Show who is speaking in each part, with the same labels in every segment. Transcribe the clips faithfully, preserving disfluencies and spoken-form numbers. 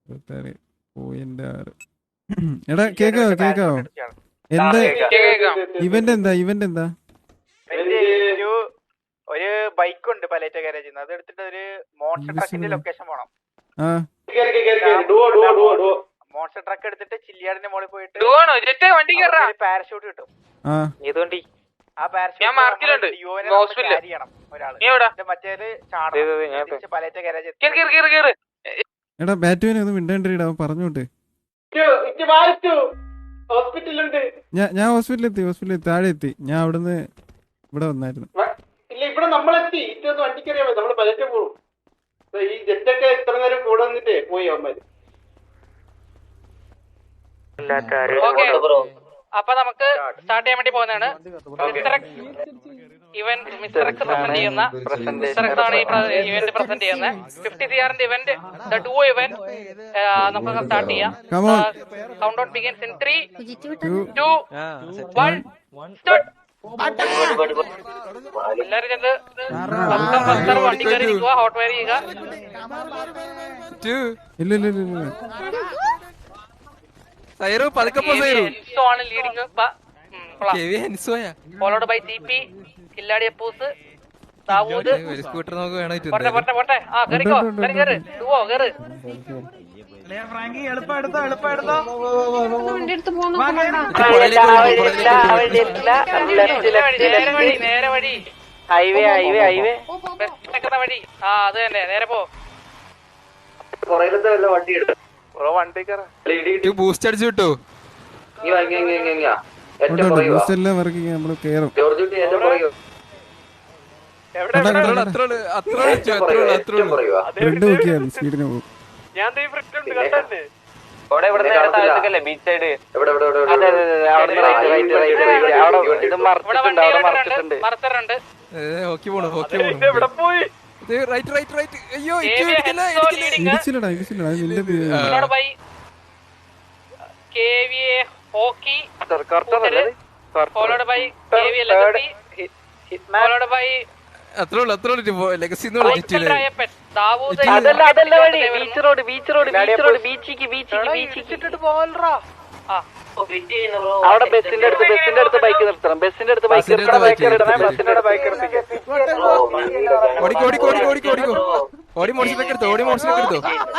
Speaker 1: ഇരുപത്താറ് പോയിന്റ് ആറ്. എടാ കേക്കാവോ കേക്കാവോ? എന്താ ഇവന്റ് എന്താ ഇവന്റ് എന്താ?
Speaker 2: ഒരു ബൈക്ക് ഉണ്ട് പലേറ്റ ഗാരേജിൽ അത് എടുത്തിട്ട് ഒരു മോൺസ്റ്റർ ട്രക്കിന്റെ ലൊക്കേഷൻ പോണം. മോൺസ്റ്റർ ട്രക്ക് എടുത്തിട്ട് ചില്ലിയാടിന്റെ മുകളിൽ പോയിട്ട് പാരഷൂട്ട് കിട്ടും. ആ പാരഷൂട്ട് ചെയ്യണം ഒരാള്. മറ്റേത് ചാടണം പലേറ്റ ഗാരേജ്.
Speaker 1: എടാ ബാറ്റുവിനെ ഒന്ന് മിണ്ടാണ്ടിരിടാ പറഞ്ഞോട്ടെ. ഞാൻ ഞാൻ ഹോസ്പിറ്റലിൽ എത്തി ഹോസ്പിറ്റലിൽ താഴെ എത്തി. ഞാൻ അവിടുന്ന് ഇവിടെ വന്നായിരുന്നു.
Speaker 3: ഇല്ല ഇവിടെ നമ്മളെത്തി ഇറ്റൊന്ന് വണ്ടിക്കറിയാൻ പറ്റും. നമ്മള് പലറ്റും പോകും. ഈ ജെറ്റൊക്കെ ഇത്ര നേരം കൂടെ വന്നിട്ടേ പോയി അവന്മാര്.
Speaker 4: അപ്പൊ നമുക്ക് സ്റ്റാർട്ട് ചെയ്യാൻ വേണ്ടി പോകുന്നതാണ്. ഇവൻ മിസ്റ്റർ എക്സ് പ്രസന്റ് ചെയ്യുന്ന മിസ്റ്റർ എക്സ് ആണ് ഈ ഇവന്റ് പ്രസന്റ് ചെയ്യുന്നത്. ഫിഫ്റ്റി സി ആറിന്റെ ഇവന്റ് ദ ഡു ഇവന്റ് നമുക്ക് സ്റ്റാർട്ട് ചെയ്യാം. Count down begins in three two one start. എല്ലാരും ചെന്ന് പത്തം പത്തർ വണ്ടി കയറി നിൽക്കുക. ഹോട്ട് വയർ ചെയ്യുക.
Speaker 1: ഇല്ല ഇല്ല ഇല്ല
Speaker 4: ഫോളോഡ് ബൈ സി പി കില്ലാടി അപ്പൂസ് ദാവൂദ്. പോട്ടെ പോട്ടെ പോട്ടെ. ആ കയറിക്കോ കയറി കയറി ഡുവോ കയറി. നേരെ വഴി ഹൈവേ ഹൈവേ ഹൈവേ വഴി. ആ അത് തന്നെ നേരെ പോ.
Speaker 3: വണ്ടി എടുത്തു
Speaker 5: ബൂസ്റ്റ് അടിച്ചു കിട്ടോ?
Speaker 1: ബൂസ്റ്റ് എല്ലാം വർക്കിംഗ് നമ്മള് കേറും. നോക്കിയാൽ സ്പീഡിന് പോകും.
Speaker 4: Beach side മറച്ചറുണ്ട്.
Speaker 1: ഇടിച്ചില്ലടാ ഇടിച്ചില്ലടാ നിന്റെ
Speaker 4: hockey followed by followed by
Speaker 5: അത്രേ ഉള്ളു അത്രേ ഉള്ളു ലെഗസി
Speaker 4: അവിടെ ബസ്സിന്റെ അടുത്ത് ബസ്സിന്റെ അടുത്ത് ബൈക്ക് നിർത്തണം. ബസ്സിന്റെ അടുത്ത് ബൈക്ക് നിർത്തണം. ബസ്സിന്റെ ബൈക്ക്
Speaker 5: ഓടിക്കോ ഓടിക്കോ ഓടിക്കോ ഓടിക്കോ ഓടിക്കോ ഓടി മോഡ്സിലേക്ക് എടുത്തോ ഓടി മോഡ്സിലേക്ക് എടുത്തോ.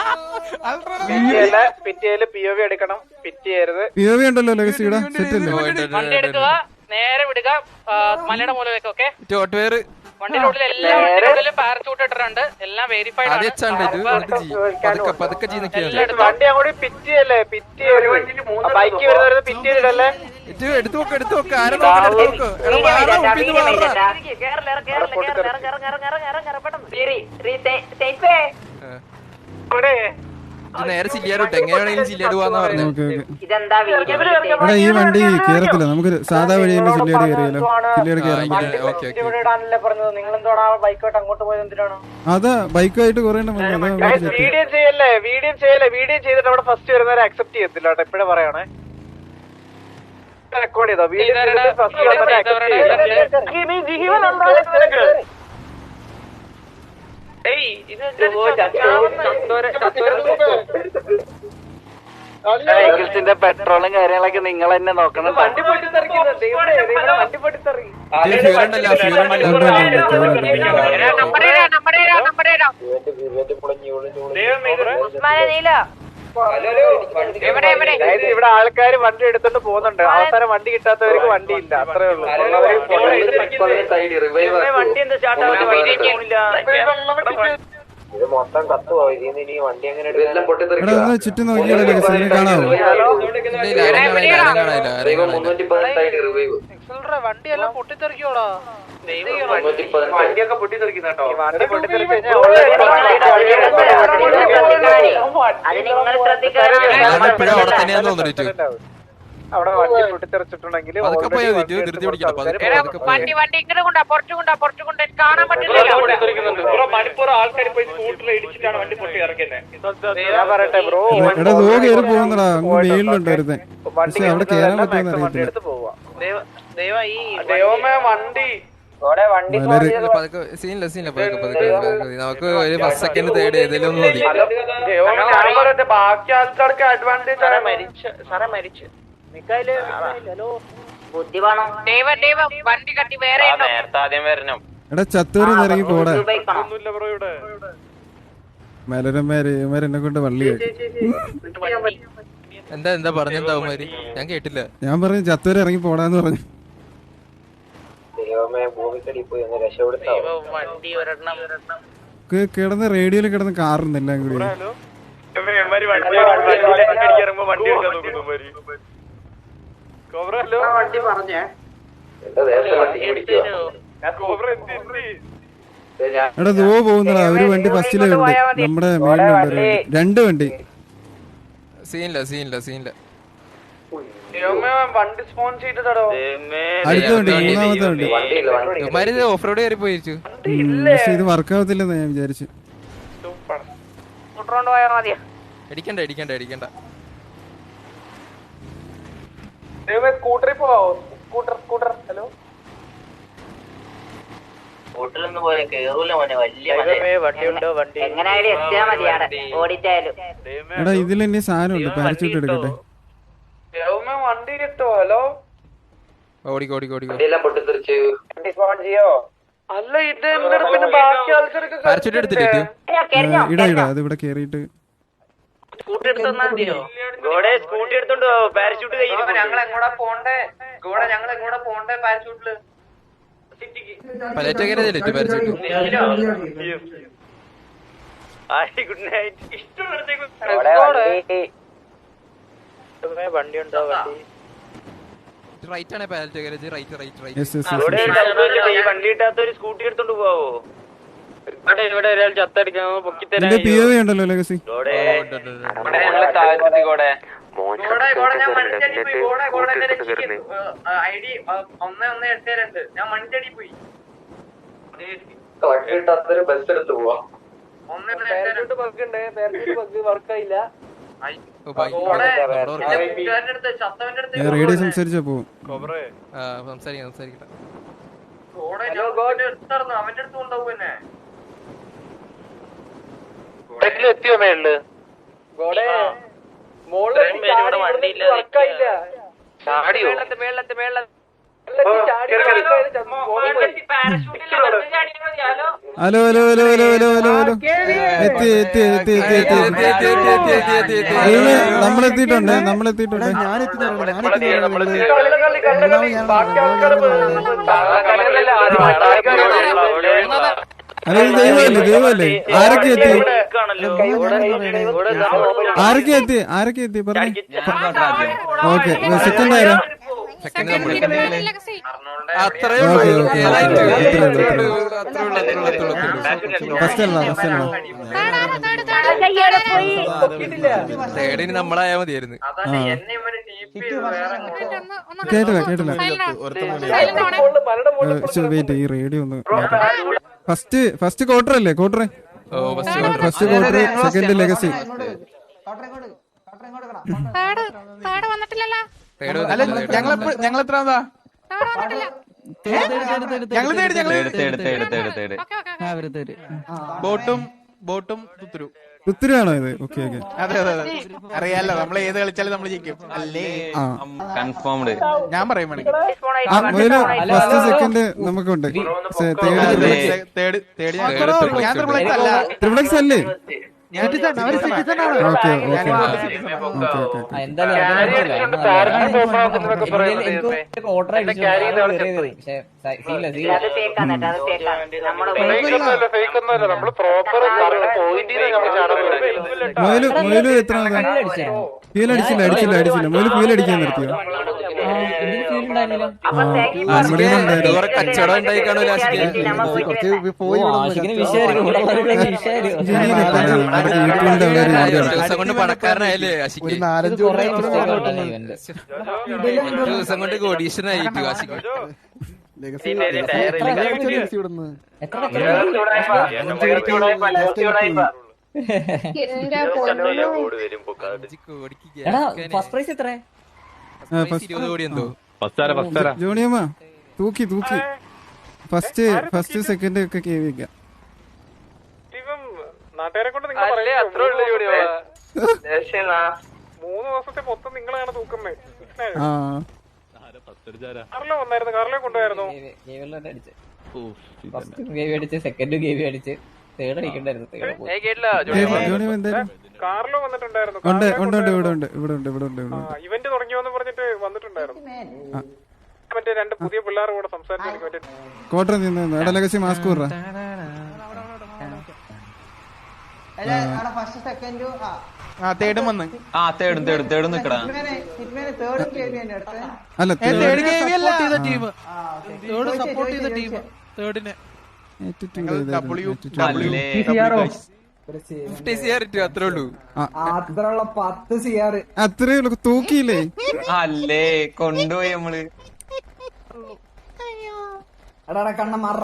Speaker 2: പിറ്റിയില് പി ഒ വി എടുക്കണം. പിറ്റി ചെയ്യരുത്.
Speaker 1: പി ഒ വി ഉണ്ടല്ലോ ലെഗസിയുടെ സെറ്റ് അല്ലേ?
Speaker 4: വണ്ടി എടുക്കുക നേരെ വിടുക മലയുടെ മൂലമൊക്കെ. ഓക്കെ
Speaker 5: ഹോട്ട് വയർ
Speaker 4: വണ്ടിയുടെ ഉള്ളിൽ എല്ലാ വണ്ടികളിലും പാരച്യൂട്ട് ഇട്ടിട്ടുണ്ട്. എല്ലാം വെരിഫൈഡ് ആണ്.
Speaker 2: വണ്ടി അങ്ങോട്ട് പിറ്റ് ചെയ്യല്ലേ? പിറ്റ് ബൈക്ക് വരുന്നത് പിറ്റ് ചെയ്തിട്ടല്ലേ?
Speaker 5: എടുത്തു നോക്ക് എടുത്തു നോക്ക്. നേരെ ചില്ലിയാടോട്ടെ എങ്ങനെയാണെങ്കിലും ചില്ലിയാട് പോവാന്ന് പറഞ്ഞു.
Speaker 1: എടാ ഈ വണ്ടി കേറത്തില്ല. നമുക്ക് സാധാ വഴി തന്നെ ചില്ലിയാട് കയറിയാലോ? ചില്ലിയാട് കയറാൻ അതാ ബൈക്കായിട്ട് കുറെ
Speaker 2: വീഡിയോ ചെയ്യല്ലേ? വീഡിയോ ചെയ്യല്ലേ? വീഡിയോ ചെയ്തിട്ട് അവിടെ ഫസ്റ്റ് വരുന്നവരെ അക്സെപ്റ്റ് ചെയ്യത്തില്ല കേട്ടോ. എപ്പോഴും പറയണേ. റെക്കോർഡ് ചെയ്തോ? വീഡിയോ ഫസ്റ്റ് വന്നവരെ അക്സെപ്റ്റ് ചെയ്യില്ല.
Speaker 4: വെഹിക്കിൾസിന്റെ പെട്രോളും കാര്യങ്ങളൊക്കെ നിങ്ങൾ തന്നെ നോക്കണം.
Speaker 2: വണ്ടി പൊട്ടിത്തെറിക്കും. വണ്ടി പൊട്ടിത്തെറി. ഇവിടെ ആൾക്കാര് വണ്ടി എടുത്തോണ്ട് പോകുന്നുണ്ട്. അവസാനം വണ്ടി കിട്ടാത്തവർക്ക് വണ്ടി ഇല്ല. അത്രേ ഉള്ളൂ. വണ്ടി എന്താ ഇത് മൊത്തം കത്തുവോ? ഇതിന്ന് ഇനി വണ്ടി എങ്ങനെ
Speaker 1: ചുറ്റും നോക്കിയാലോ ലെഗസി കാണാവോ?
Speaker 4: വണ്ടിയെല്ലാം പൊട്ടിത്തെറിക്കോടാ.
Speaker 2: വണ്ടിയൊക്കെ പൊട്ടിത്തെറിക്കുന്ന കേട്ടോ. വണ്ടി പൊട്ടിത്തെറിച്ച് അവിടെ വണ്ടി പൊട്ടിത്തെറിച്ചിട്ടുണ്ടെങ്കിൽ
Speaker 4: വണ്ടി വണ്ടി ഇങ്ങനെ കൊണ്ടാ പുറത്തു കൊണ്ടാ പുറത്തു കൊണ്ട് കാണാൻ പറ്റില്ല.
Speaker 2: മണിപ്പൂർ ആൾക്കാർ പോയി സ്കൂട്ടറിൽ ഇടിച്ചിട്ടാണ് വണ്ടി പൊട്ടി ഇറക്കുന്നത്. ഞാൻ പറയട്ടെ ബ്രോ,
Speaker 1: എടാ ദോ കേറി പോകുന്നടാ. അങ്ങ് വെയിലുണ്ടായിരുന്നേ. പക്ഷെ അവിടെ കേറാൻ പറ്റുമെന്ന് അറിയത്തില്ല.
Speaker 2: ദൈവമേ വണ്ടി
Speaker 1: വളരെ
Speaker 5: പതുക്കെ സീനില്ല സീനില്ല പതുക്കെ പതുക്കെ പതുക്കെ. നമുക്ക് ഒരു ഫസ്റ്റ് സെക്കൻഡ് തേർഡ് ഏതെങ്കിലും ഒന്ന് മതി.
Speaker 2: ബാക്കി ആൾക്കാർക്ക് അഡ്വാൻറ്റേജ് സാറേ മരിച്ചു വണ്ടി കട്ടി വേറെ
Speaker 1: എടാ ചത്തൂര് ഇറങ്ങി പോടാ മലരന്മാര് ഇവന്മാരെന്നെ കൊണ്ട് വള്ളി
Speaker 5: എന്താ എന്താ പറഞ്ഞെന്താവുമാര് ഞാൻ കേട്ടില്ല.
Speaker 1: ഞാൻ പറഞ്ഞു ചത്തൂര് ഇറങ്ങി പോടാന്ന് പറഞ്ഞു. കിടന്ന് റേഡിയോയിൽ കിടന്ന് കാറുണ്ട് എല്ലാം കൂടി. എടാ ദോ പോകുന്നടാ ഒരു വണ്ടി ഫസ്റ്റിലുണ്ട് നമ്മുടെ മേളിലുണ്ട് രണ്ട് വണ്ടി.
Speaker 5: സീനില്ല സീനില്ല സീനില്ല
Speaker 1: അടുത്ത വണ്ടി മൂന്നാമത്തെ വണ്ടി.
Speaker 5: ഇവന്മാര് ഓഫ് റോഡ് കയറി പോയിരിച്ചു.
Speaker 1: പക്ഷെ ഇത് വർക്കാവത്തില്ലെന്ന് ഞാൻ വിചാരിച്ചു.
Speaker 5: അടിക്കണ്ട അടിക്കണ്ട അടിക്കണ്ട.
Speaker 2: സ്കൂട്ടറിൽ പോവാവോ? സ്കൂട്ടർ സ്കൂട്ടർ ഹലോ
Speaker 1: എടാ ഇതിൽ ഇനി സാധനം ഉണ്ട് പാരച്യൂട്ട് എടുക്കട്ടെ.
Speaker 2: വണ്ടി കിട്ടോ? ഹലോ
Speaker 5: ഓടിക്കോ ഓടിക്കോ ഓടിക്കോ.
Speaker 2: അല്ല ഇത് പിന്നെ ബാക്കി ആൾക്കാർക്ക്
Speaker 5: പാരച്യൂട്ട് എടുത്തിട്ട്
Speaker 1: ഇടാ ഇടാ അത് ഇവിടെ കേറിയിട്ട്
Speaker 2: സ്കൂട്ടി എടുത്തോണ്ട് പാരച്യൂട്ട് ഞങ്ങൾ എങ്ങോട്ടാ പോണ്ടേ? ഗോഡെ ഞങ്ങൾ എങ്ങോട്ടാ പോണ്ടേ പാരച്യൂട്ടില്?
Speaker 5: പലേറ്റ കയറിയതല്ലേ പാരച്യൂട്ട്?
Speaker 2: Good night. വണ്ടി ഉണ്ടോ? വണ്ടി
Speaker 5: റൈറ്റ് ആണ് പാലറ്റ കയറിയത്. Right right right.
Speaker 1: Yes yes yes.
Speaker 2: ഈ വണ്ടി ഇട്ടാത്ത ഒരു സ്കൂട്ടി എടുത്തോണ്ട് പോവോ? ഇവിടെ ഒരാൾ ചത്തടിക്കാൻ പൊക്കി തരാൻ
Speaker 1: നിന്റെ പി ഒ വി ഉണ്ടല്ലോ ലെഗസി. റേഡിയോ സംസാരിച്ചാ പോവും.
Speaker 5: സംസാരിക്കാം സംസാരിക്കട്ടെ.
Speaker 2: അവന്റെ അടുത്ത് കൊണ്ടാവും എന്നെ. എത്തിയോ മേളില്?
Speaker 1: Hello hello hello hello hello hello hello എത്തി എത്തി എത്തി എത്തി എത്തി എത്തി നമ്മളെത്തിയിട്ടുണ്ട് നമ്മളെത്തിയിട്ടുണ്ട്. അല്ല ഇത് ദൈവമല്ലേ ദൈവമല്ലേ? ആരൊക്കെ എത്തി ആരൊക്കെ എത്തി ആരൊക്കെ എത്തി പറഞ്ഞു. ഓക്കെ സെക്കൻഡ് ആയാലും ഫസ്റ്റ് അല്ല ഫസ്റ്റ് അല്ല
Speaker 5: തേടിന് നമ്മളായാ മതിയായിരുന്നു.
Speaker 1: കേട്ടില്ല കേട്ടില്ല. വെയിറ്റ് ഈ റേഡിയോ ഒന്ന്. ഫസ്റ്റ് ഫസ്റ്റ് ക്വാർട്ടർ അല്ലേ? Quarter first quarter second legacy.
Speaker 5: ഞങ്ങൾ എത്രാമതാ? ബോട്ടും ബോട്ടും തുത്തുരു
Speaker 1: പുത്തിരിയാണോ ഇത്? ഓക്കെ ഓക്കെ
Speaker 5: അതെ അതെ അതെ അറിയാലോ. നമ്മൾ ഏത് കളിച്ചാലും നമ്മൾ ജയിക്കും അല്ലേ?
Speaker 6: കൺഫേംഡ്.
Speaker 5: ഞാൻ പറയും
Speaker 1: ഫസ്റ്റ് സെക്കൻഡ് നമുക്കുണ്ട്.
Speaker 5: തേർഡ് തേർഡ് ഞാൻ ത്രിപ്ലക്സ് അല്ല.
Speaker 1: ത്രിപ്ലക്സ് അല്ലേ?
Speaker 5: ഓക്കെ
Speaker 1: ഓക്കെ മൊയില് മൊയില് എത്ര ഫീൽ അടിച്ചില്ല അടിച്ചില്ല അടിച്ചില്ല മൊയില് ഫീൽ അടിക്കാൻ നിർത്തിയോ?
Speaker 5: കച്ചവടം ഉണ്ടായി കാണൂല. ദിവസം കൊണ്ട് പണക്കാരനായല്ലേ ആശിക്ക്? ദിവസം കൊണ്ട് കോടീശ്വരനായിട്ട് ആശിക്ക്.
Speaker 1: ജോണിയമ്മ തൂക്കി തൂക്കി ഫസ്റ്റ് ഫസ്റ്റ് സെക്കൻഡ് ഒക്കെ കെ വി വെക്കാം.
Speaker 2: നാട്ടുകാരെ കൊണ്ട് നിങ്ങൾ മൂന്ന് ദിവസത്തെ മൊത്തം നിങ്ങളാണ് തൂക്കുന്നേ.
Speaker 1: ആ
Speaker 2: കാറിലോ വന്നായിരുന്നു, കാറിലോ കൊണ്ടുപോയായിരുന്നു.
Speaker 7: സെക്കൻഡ് ഗേവി അടിച്ച് തേർഡ് അടിക്കണ്ടായിരുന്നു.
Speaker 1: ജോണി എന്തായാലും
Speaker 2: കാറിലോ വന്നിട്ടുണ്ടായിരുന്നു.
Speaker 1: ഉണ്ട് ഉണ്ട് ഉണ്ട് ഇവിടെ ഉണ്ട് ഇവിടെ ഉണ്ട് ഇവിടെ ഉണ്ട് ഇവിടെ ഉണ്ട്.
Speaker 2: ഇവന്റ് തുടങ്ങിയോന്ന് പറഞ്ഞിട്ട് വന്നിട്ടുണ്ടായിരുന്നു. മറ്റേ രണ്ട് പുതിയ പിള്ളേർ കൂടെ സംസാരിച്ചു. മറ്റേ
Speaker 1: കോട്ടർ നിന്ന് ഇടലകശി മാസ്ക് കൂറ
Speaker 7: ഫസ്റ്റ് സെക്കൻഡ്
Speaker 8: ആ തേർഡും വന്ന്
Speaker 6: ആ തേടും തേടും തേടും നിക്കടാ.
Speaker 1: അല്ല
Speaker 8: തേർഡ് ഗെയിം അല്ല ടീം തേർഡ് സപ്പോർട്ട് ചെയ്ത ടീം തേർഡിനെ ഡബ്ല്യു
Speaker 5: ഫിഫ്റ്റി സി ആർ ഇട്ടു അത്രേ ഉള്ളൂ.
Speaker 7: അത്രയുള്ള പത്ത് സി ആർ
Speaker 1: അത്രേ ഉള്ളൂ. തൂക്കിയില്ലേ?
Speaker 6: അല്ലേ കൊണ്ടുപോയി നമ്മള്
Speaker 7: എടാ കണ്ണ